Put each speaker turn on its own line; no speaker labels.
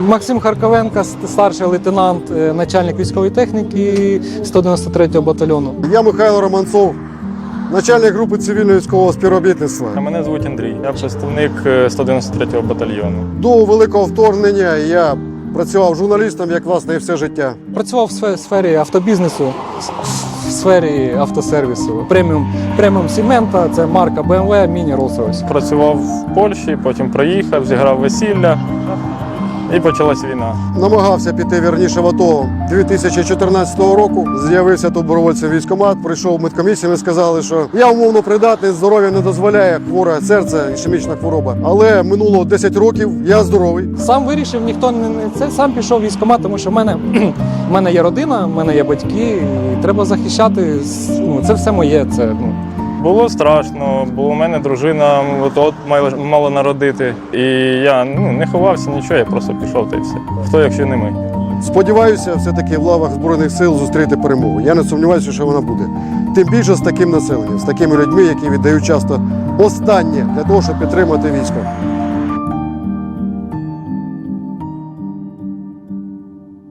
Максим Харковенко, старший лейтенант, начальник військової техніки 193-го батальйону.
Я Михайло Романцов, начальник групи цивільного військового співробітництва.
Мене звуть Андрій, я представник 193-го батальйону.
До великого вторгнення я працював журналістом, як власне і все життя.
Працював в сфері автобізнесу, в сфері автосервісу. Преміум Сімента, це марка BMW, міні Rolls-Royce.
Працював в Польщі, потім приїхав, зіграв весілля і почалась війна.
Намагався піти вірніше в АТО 2014 року. З'явився тут добровольцем в військкомат, прийшов в медкомісію, ми сказали, що я умовно придатний, здоров'я не дозволяє, хворе серце, ішемічна хвороба. Але минуло 10 років, я здоровий.
Сам вирішив, ніхто не це, сам пішов в військкомат, тому що в мене є родина, в мене є батьки, і треба захищати, це все моє.
Було страшно, бо у мене дружина от мала народити. І я не ховався, нічого, я просто пішов та й все. Хто, якщо не ми.
Сподіваюся, все-таки в лавах Збройних сил зустріти перемогу. Я не сумніваюся, що вона буде. Тим більше з таким населенням, з такими людьми, які віддають часто останнє для того, щоб підтримати військо.